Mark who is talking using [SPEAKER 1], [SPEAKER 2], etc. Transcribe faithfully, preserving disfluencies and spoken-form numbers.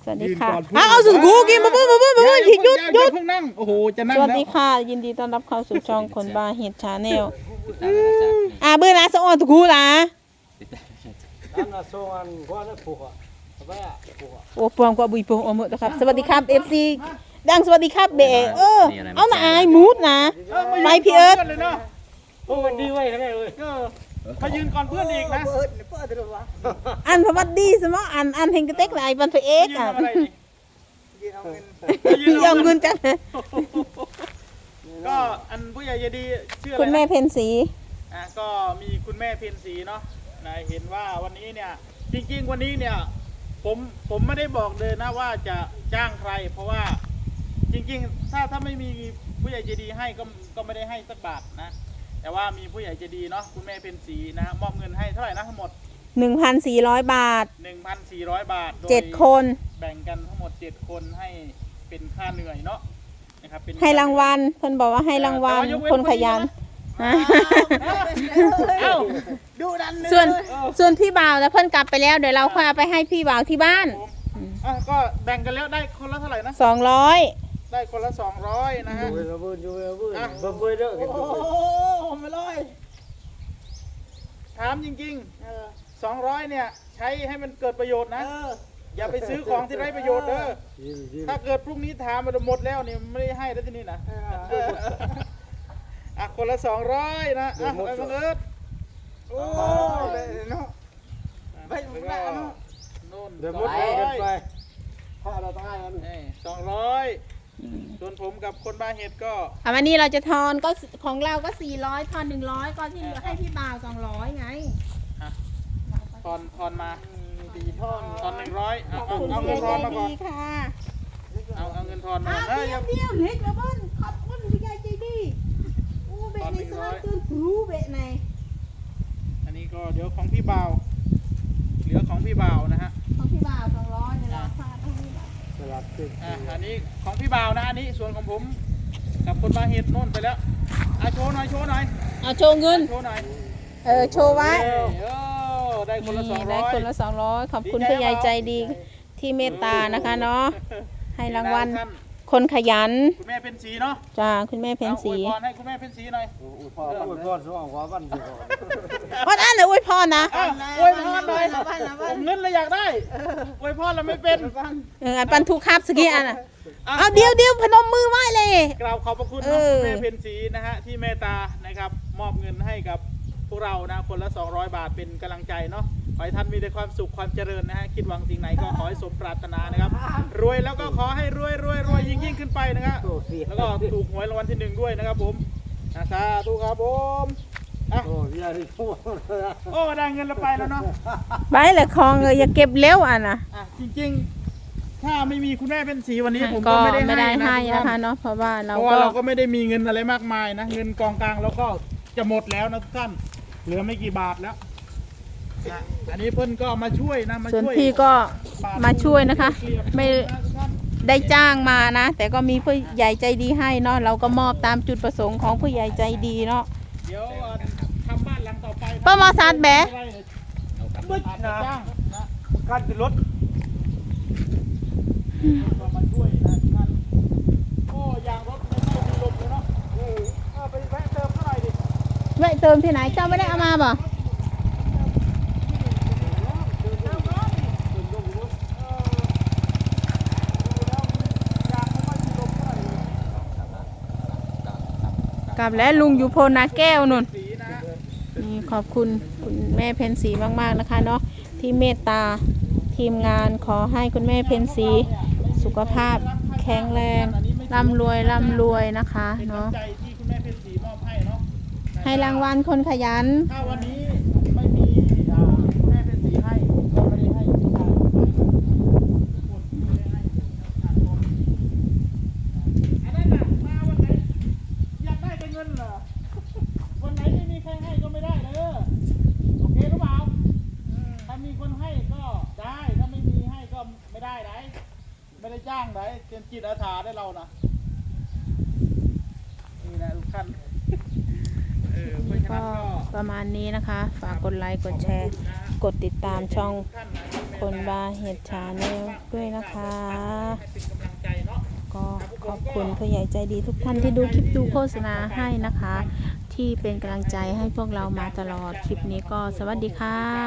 [SPEAKER 1] สวัสดีค่ะอ้าวเอาสุดกูกินมาเพิ่มมาเพิ่มมาเพิ่มหยุดหยุดหยุด
[SPEAKER 2] นั่งโอ้โหจะนั่ง
[SPEAKER 1] สวัสดีค่ะยินดีต้อนรับเข้าสู่ช่องคนบ้าเห็ดชาแนลอ่าเบอร์นะสะออนตุกูล่ะโอ้ปวงกว่าบุยปวงโอหมดนะครับสวัสดีครับเอฟซีดังสวัสดีครับเบะเออเอาหน่าอายมูดนะไปพี่เอิร์ธ
[SPEAKER 2] โอ้ดีไว้กันเลยเขายืนก่อนเพื่อนอีกนะ
[SPEAKER 1] อันพวัดดีสมออันอันเฮงกระเต็กไหลบันไปเอ็กอ่ะยอมเงินจัง
[SPEAKER 2] ก็อันผู้ใหญ่ยดีชื่ออะไร
[SPEAKER 1] คุณแม่เพนสี
[SPEAKER 2] อ่ะก็มีคุณแม่เพนสีเนาะนายเห็นว่าวันนี้เนี่ยจริงๆวันนี้เนี่ยผมผมไม่ได้บอกเลยนะว่าจะจ้างใคร เพราะว่าจริงๆถ้าถ้าไม่มีผู้ใหญ่ใจดีให้ก็ก็ไม่ได้ให้สักบาทนะแต่ว่ามีผู้ใหญ่ใจดีเนาะคุณแม่เพนสีนะมอบเงินให้เท่าไหร่นะทั้งหมด
[SPEAKER 1] หนึ่งพันสี่ร้อยบาท
[SPEAKER 2] หนึ่งพันสี่ร้อยบาทโดย
[SPEAKER 1] เจ็ดคน
[SPEAKER 2] แบ่งกันทั้งหมดเจ็ดคนให้เป็นค่าเหนื่อยเนาะนะครับเป็น
[SPEAKER 1] ให้รางวัลเพิ่นบอกว่าให้รางวัลคนขยัน
[SPEAKER 2] เอ้า
[SPEAKER 3] ดูดัน
[SPEAKER 1] ส่วนส่วนพี่บ่าวแล้วเพิ่นกลับไปแล้วเดี๋ยวเราค่อยเอาไปให้พี่บ่าวที่บ้าน
[SPEAKER 2] อ่ะก็แบ่งกันแล้วได้คนละเท่าไหร่นะ
[SPEAKER 1] สองร้อย
[SPEAKER 2] ได้คนละสองร้อยนะฮะ
[SPEAKER 3] ระเบิดอยู่ระเบิด
[SPEAKER 2] อ่ะ
[SPEAKER 3] ระเบิดเด้อกันโอ้โหไม่ร้อย
[SPEAKER 2] ถามจริงๆสองร้อยเนี่ยใช้ให้มันเกิดประโยชน์นะอย่าไปซื้อของที่ไร้ประโยชน์เด้อถ้าเกิดพรุ่งนี้ถามมันหมดแล้วเนี่ยไม่ได้ให้แล้วที่นี่นะอ่ะคนละสองร้อยนะอ่ะไปบังเอิญ
[SPEAKER 3] โอ้เนาะไปมุกหน้าเนาะ
[SPEAKER 2] นู่น
[SPEAKER 3] เดี๋ยว
[SPEAKER 2] ส
[SPEAKER 3] มุ
[SPEAKER 2] อ
[SPEAKER 3] ด
[SPEAKER 2] ง
[SPEAKER 3] ไป
[SPEAKER 2] ร้
[SPEAKER 3] เดิ
[SPEAKER 2] อน ย
[SPEAKER 3] ไปถ้าเราต้องให้กัน
[SPEAKER 2] นี่สองร้อยส่วนผมกับคนบ้าเห็ดก็
[SPEAKER 1] อ่ะวันนี้เราจะทอนก็ของเราก็สี่ร้อยทอนหนึ่งร้อยก็ที่เหลือให้พี่บ่าวสองร้อยไง
[SPEAKER 2] ทอนทอนมา
[SPEAKER 3] ตีท่อน
[SPEAKER 2] ทอนหนึ่งร้อย
[SPEAKER 1] ข
[SPEAKER 2] เอา
[SPEAKER 1] อบ
[SPEAKER 2] เอา
[SPEAKER 1] คุณ
[SPEAKER 2] เอาเงิ
[SPEAKER 1] เสี
[SPEAKER 2] น
[SPEAKER 1] ย
[SPEAKER 2] ท
[SPEAKER 1] ใจ
[SPEAKER 2] อนมาก่อน
[SPEAKER 1] ดีค่ะ
[SPEAKER 2] เอาเอาเงินทอนมา
[SPEAKER 1] อ้าว
[SPEAKER 2] เฮ้ย
[SPEAKER 1] เดี
[SPEAKER 2] ยั
[SPEAKER 1] ยว
[SPEAKER 2] ง
[SPEAKER 1] เดียวเล็กระเบิ้ลขอบคุณพี่ใหญ่ใจดีโอ้เบะในสลับเกินรู้เบะใน
[SPEAKER 2] อันนี้ก็เดี๋ยวของพี่บ่าวเหลือของพี่บ่าวนะฮะ
[SPEAKER 1] ของพี่บ่าวสองร้อยเดี๋ยวเราพาไปให้พี่บ่าว
[SPEAKER 3] สลับติด
[SPEAKER 2] อ่ะอันนี้ของพี่บ่าวนะอันนี้ส่วนของผมกับคนบ้าเห็ดโน่นไปแล้วอ่ะโชว์หน่อยโชว์หน่อย
[SPEAKER 1] เอาโชว์เงิน
[SPEAKER 2] โชว์หน่อย
[SPEAKER 1] เออโชว์ไว้
[SPEAKER 2] เอ้ยเออได้คนละสอง
[SPEAKER 1] นี่
[SPEAKER 2] ร้
[SPEAKER 1] ได้
[SPEAKER 2] อย
[SPEAKER 1] คนละสองร้อยขอบคุณพี่ใหญ่ใจดีที่เมตตานะคะเนาะให้รางวัลคนขยัน
[SPEAKER 2] คุณแม่เป็นสีเนาะ
[SPEAKER 1] จ้าคุณแม่เพนสี
[SPEAKER 2] อาอวยพรให้คุณแม่เป็นสีหน่อย
[SPEAKER 3] อุ้ยพ่ออุ้ยพ่อสว่างหัวบ้านสิพ่อ
[SPEAKER 1] วันนั้นเลยอวยพรนะ
[SPEAKER 2] อ้าวอวยพรหน่อยผมเงินเลยอยากได้อวยพรแล้วไม่เป็น
[SPEAKER 1] เอออันปันทุกครับสกี้อันน่ะเอาเดียวเดียวพนมมือไหว้เลย
[SPEAKER 2] กราบขอบพระคุณ
[SPEAKER 1] เอ
[SPEAKER 2] นะ
[SPEAKER 1] อ
[SPEAKER 2] คุณแม่เป็นสีนะฮะที่เมตตานะครับมอบเงินให้กับพวกเรานะคนละสองร้อยบาทเป็นกำลังใจเนาะขอให้ท่านมีแต่ความสุขความเจริญนะฮะคิดหวังสิ่งไหนก็ขอให้สมปรารถนานะครับรวยแล้วก็ขอให้รวยรวยรวยยิ่งยิ่งขึ้นไปนะครับแล้วก็ถูกหวยรางวัลที่หนึ่งด้วยนะครับผมนะสาธุครับผมอ่ะ
[SPEAKER 3] โอ้ยาดิโอ้
[SPEAKER 2] โอ้ได้เงินแล้วไปแล้วเนาะ
[SPEAKER 1] ไปเลยคลองเลยอย่าเก็บเร็วอ่ะนะ
[SPEAKER 2] อ่ะจริงๆถ้าไม่มีคุณแม่เป็นสีวันนี้ผม
[SPEAKER 1] ก็
[SPEAKER 2] ก็ไม่ได้
[SPEAKER 1] ไม่ได้
[SPEAKER 2] ให้
[SPEAKER 1] ให้
[SPEAKER 2] นะ
[SPEAKER 1] นะคะเนาะเพราะว่าเรา
[SPEAKER 2] เพราะว่า
[SPEAKER 1] ก็
[SPEAKER 2] เราก็ไม่ได้มีเงินอะไรมากมายนะเงินกองกลางเราก็จะหมดแล้วนะทุกท่านเหลือไม่กี่บาทแล้วนะอันนี้เพิ่นก็มาช่วยนะมา
[SPEAKER 1] ส่วน
[SPEAKER 2] ช่วย
[SPEAKER 1] พี่ก็มาช่วยนะคะ ไม่
[SPEAKER 2] นะทุกท่าน
[SPEAKER 1] ได้จ้างมานะ แต่ก็มีผู้ใหญ่ใจดีให้เนาะเราก็มอบตามจุดประสงค์ของผู้ใหญ่ใจดีเนาะ
[SPEAKER 2] เดี๋ยวทำบ้านหลังต่อไป
[SPEAKER 1] ป้ามอซาดแบะ
[SPEAKER 2] บึ้ดนะจ้างนะ
[SPEAKER 3] การติดรถ
[SPEAKER 2] ก็มาช่วยนะทุกท่านโอ้ยางรถไม่ค่อยมีลมเลยเนาะเออเอาไปแวะเติมเท่าไหร่ดิ
[SPEAKER 1] แวะเติมที่ไหนเจ้าไม่ได้เอามาบ่กลับแล้วลุงอยู่โพนาแก้วนุ่น
[SPEAKER 2] สีนะฮะ
[SPEAKER 1] นี่ขอบคุณคุณแม่เพนสีมากๆนะคะเนาะที่เมตตาทีมงานขอให้คุณแม่เพนสีสุขภาพแข็งแรงร่ำรวยร่ำรวยนะคะ
[SPEAKER 2] เป็น
[SPEAKER 1] เนาะ
[SPEAKER 2] น้ำใจที่คุณแม่เป็นสีมอบให้เนาะ
[SPEAKER 1] ให้รางวัลคนขยัน
[SPEAKER 2] ถ้าวันนี้ไม่มีอ่าคุณแม่เป็นสีให้ผมก็ไม่ได้ให้ทุกท่านทุกคนไม่ได้ให้ทุกคนอันนั้นน่ะมาวันไหนอยากได้แต่เงินเหรอวันไหนไม่มีใครให้ก็ไม่ได้เด้อโอเคหรือเปล่าถ้ามีคนให้ก็ได้ถ้าไม่มีให้ก็ไม่ได้ไหนไม่ได้จ้างไหนเป็นจิตอาสาได้เรานะนี่นะทุกท่านเอออเพราะฉะนั้
[SPEAKER 1] ก็
[SPEAKER 2] นก็
[SPEAKER 1] ประมาณนี้นะคะ ฝากกดไลค์กดแชร์ กดติดตามช่องคนบาเห็ดชาแนลด้วยนะคะ
[SPEAKER 2] ให้เป็นกำลังใจเนาะ
[SPEAKER 1] ก็ขอบคุณผู้ใหญ่ใจดีทุกท่านที่ดูคลิปดูโฆษณาให้นะคะ ที่เป็นกำลังใจให้พวกเรามาตลอดคลิปนี้ก็สวัสดีค่ะ